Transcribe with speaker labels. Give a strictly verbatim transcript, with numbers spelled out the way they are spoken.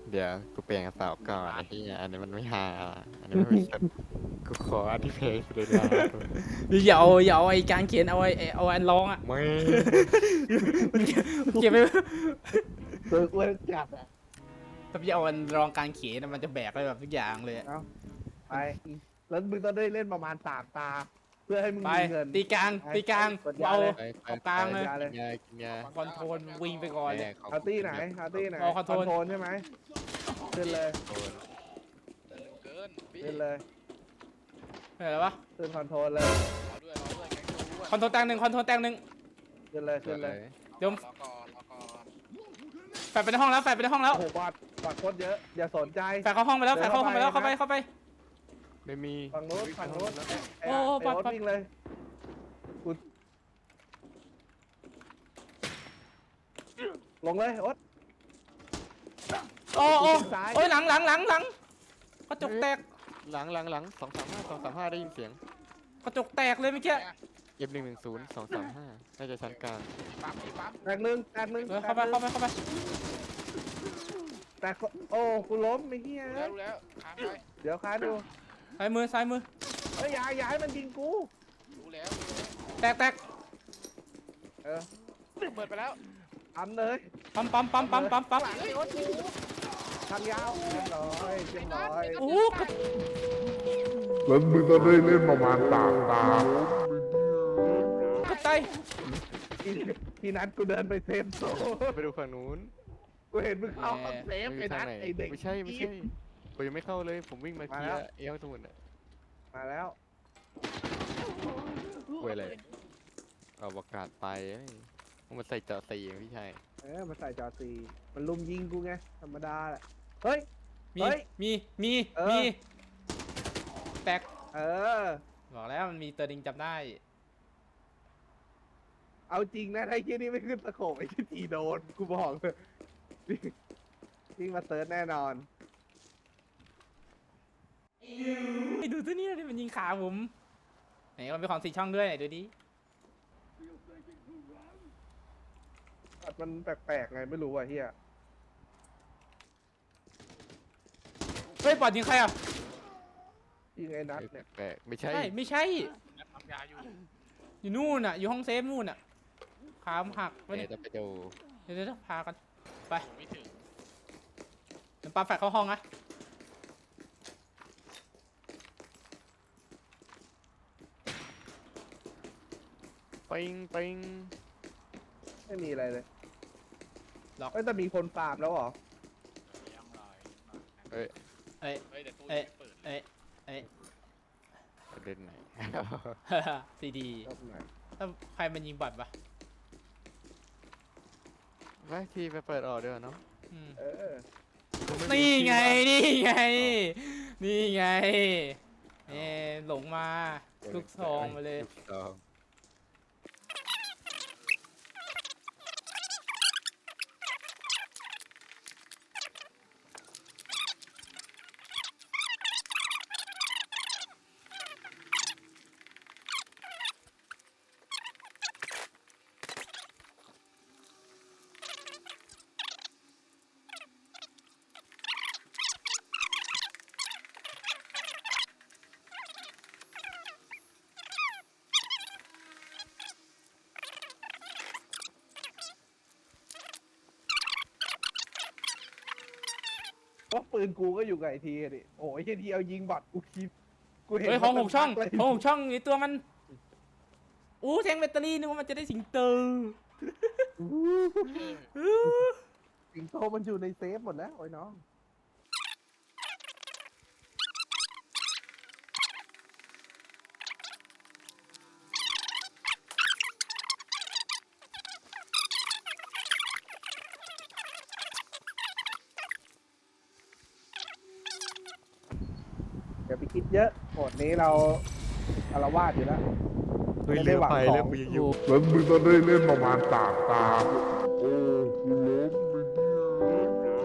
Speaker 1: เดี๋ยวกูเปลี่ยนกระเป๋าก่อนไอ้ที่อันนี้มันไม่ฮาอันนี้ไม่สนกูขออันที่เพลงเลยนะ
Speaker 2: อย่าเอาอย่าเอาไอ้การเขียนเอาไอ้เอาอันร้องอ่ะ
Speaker 1: ไม่
Speaker 2: มันเก็บมันเก็บไป
Speaker 3: เบิกเว้ยจัดอ่ะ
Speaker 2: ถ้าพี่เอาอันร้องการเขียนมันจะแบกไปแบบทุกอย่างเลย
Speaker 3: เอาไปแล้วมึงต้องได้เล่นประมาณสามตา เพื่อให้มึง
Speaker 2: ไป
Speaker 3: มีเงิน
Speaker 2: ตีกลางตีกลาง
Speaker 3: กดยา
Speaker 2: เอา
Speaker 3: เลย
Speaker 1: ไปไป
Speaker 2: เอากลางเลย
Speaker 1: ไปกินยากินยา
Speaker 2: คอนโทรลวิ่งไปก่อนเลย
Speaker 1: ขบ
Speaker 3: เอาตี้ไหนเอาตี้ไหน
Speaker 2: เอาคอนโทรล
Speaker 3: โทนใช่ไหมขึ้นเลย
Speaker 1: โทน
Speaker 4: เกินพี่
Speaker 3: ขึ้นเลย
Speaker 2: อะไรวะ
Speaker 3: ขึ้นคอนโทรลเลย
Speaker 4: เอาด้วยเอาด้วยแกงตัว
Speaker 2: คอนโทรลแตงหนึ่งคอนโทรลแตงหนึ่ง
Speaker 3: ขึ้นเลยขึ้นเลย
Speaker 2: เดี๋ยว
Speaker 4: รอก่อนรอก่อน
Speaker 2: แฟดไปในห้องแล้วแฟดไปในห้องแล้ว
Speaker 3: โอ้โหบอดบอดโคตรเยอะอย่าสนใจ
Speaker 2: แฟดเข้าห้องไปแล้วแฟดเข้าห้องไปแล้วเข้าไปเข้าไป
Speaker 1: ไม่มี
Speaker 3: ฝั่งโน้นฝั่งโน้นไอ้
Speaker 2: โอ้
Speaker 3: ไอ้
Speaker 2: ปัด
Speaker 3: โอ๊ต
Speaker 2: ปัด
Speaker 3: วิ่งเลยกูลงเลยโอ๊ต
Speaker 2: โอ้โอ้
Speaker 3: ซ้าย
Speaker 2: โอ้ยหลังหลังหลังหลังกระจกแตก
Speaker 1: หลังหลังหลังสองสามห้าสองสามห้าได้ยินเสียง
Speaker 2: กระจกแตกเลยเมื่อกี้
Speaker 1: เอฟหนึ่งหนึ่งศูนย์สองสามห้าน่าจะชั้นกลาง
Speaker 4: มีปั๊มมีปั๊ม
Speaker 3: แตกหนึ่งแตกหนึ่ง
Speaker 2: เออเข้าไปเข้าไปเข้าไป
Speaker 3: แตกโอ้กูล้มไม่เฮีย
Speaker 4: รู้แล้วรู้แล้วค้างไป
Speaker 3: เดี๋ยวค้าดู
Speaker 2: ซ้ายมือซ้ายมือ
Speaker 3: เฮ้ยอย่าอย่าให้มันยิงกู
Speaker 4: รู้แล้ว
Speaker 2: แตกแตก
Speaker 3: เออ
Speaker 4: เปิดไปแล้ว
Speaker 3: ทำเลย
Speaker 2: ปั๊มปั๊มปั๊มปั๊มปั๊มปั๊ม
Speaker 3: หลังไอ้โอ๊ตทางยาวเรียบร้อยเรียบร้อย
Speaker 2: โอ้โหกระ
Speaker 5: แล้วมึงต้องได้เล่นประมาณสามตา
Speaker 2: กระจาย
Speaker 3: ทีทีนั้นกูเดินไปเซฟโซน
Speaker 1: ไปดูฝั่งนู้น
Speaker 3: กูเห็นมึงเข้ามาเซฟ
Speaker 1: มันอ
Speaker 3: ไอ้
Speaker 1: ยู่ทา
Speaker 3: นั
Speaker 1: ง
Speaker 3: ท
Speaker 1: ไหน
Speaker 3: ไอ้เด็ก
Speaker 1: ไม่ใช่ไม่ใช่ผมยังไม่เข้าเลยผมวิ่งมาเคลียร์เอลสมุนอ่ะ
Speaker 3: มาแล้ว
Speaker 1: เว้ยอะไรเอาประกาศไปเอ้ยมันใส่เจาะสีพี่ชาย
Speaker 3: เออมาใส่จอซีมันลุมยิงกูไงธรรมดาแหละเฮ้ย
Speaker 2: มี
Speaker 3: เฮ้ย
Speaker 2: มีมี
Speaker 3: เออ
Speaker 2: มีแตก
Speaker 3: เออ
Speaker 2: บอกแล้วมันมีตัวดิงจำได้
Speaker 3: เอาจริงนะไอ้เหี้ยนี่ไม่ขึ้นตะโขบไอ้ที่ทีโดนกูบอกเลยวิ่งมาเซิร์ชแน่นอน
Speaker 2: ไอ้ดูตัวนี้ดิมันยิงขาผมไหนมันเป็นของสีช่องด้วยไหนดูดิ
Speaker 3: มันแปลกๆไงไม่รู้ว่ะเฮีย
Speaker 2: เฮ้ยปอดยิงใครอ่ะ
Speaker 3: ยิงไอ้นัทเนี่ย
Speaker 1: แปลกๆไม่ใช่
Speaker 2: ใช่ไม่ใช่
Speaker 4: นัดปั๊มยาอยู่
Speaker 2: อยู่นู่นอ่ะอยู่ห้องเซฟนู่นอ่ะขามหักไป
Speaker 1: เดี๋
Speaker 2: เนี่ย
Speaker 1: ยวจะไปดู
Speaker 2: เดี๋ยวเดี๋ยวพากันไป
Speaker 4: ไม่ถึง
Speaker 2: เดี๋ยวปาแฟดเข้าห้องนะ
Speaker 1: ปิงปิง
Speaker 3: ไม่มีอะไรเลย
Speaker 2: ล็อก
Speaker 3: เอ้ยแต่มีคนฟาร์มแล้วเหรอ
Speaker 4: ยังลอย
Speaker 1: เอ้ย
Speaker 2: เอ้ย
Speaker 4: เฮ้ยแต่ตู้
Speaker 2: เอ้ย
Speaker 4: ไม่เปิด
Speaker 2: เอ้ยเอ้ย
Speaker 1: ประเด็นไหน
Speaker 2: ซีดี
Speaker 3: รอบไหน
Speaker 2: ถ้าใครมันยิงบอดปะ
Speaker 1: ไปทีไปเปิดออกเดี๋ยวเนาะ
Speaker 2: อืม
Speaker 3: เออ
Speaker 2: นี่ไงนี่ไง นี่ไงนี่หลงมาลูกซองมาเลย
Speaker 1: ลูกซอง
Speaker 3: ก็ปืนกูก็อยู่กับไอทีอะดิโอ้ยไอทีเอายิงบอดกูคิดกูเห็น
Speaker 2: เฮ้ยของหกช่อง
Speaker 3: เลย
Speaker 2: ของหกช่องนี่ตัวมันอู้แทงแบตเตอรี่นึกว่ามันจะได้สิงโต
Speaker 3: สิงโตมันอยู่ในเซฟหมดแล้วโอ้ยน้อง อย่าไปคิดเยอะโหมดนี้เราอารวาสอยู่แล้ว
Speaker 1: เฮ้ย
Speaker 3: ไม่ได้
Speaker 1: เลี้ยว
Speaker 3: หวัง
Speaker 1: ไป
Speaker 3: ของ
Speaker 1: แล้วกูยังอยู่
Speaker 5: แล้วมึงต้องได้เล่นประมาณสามตา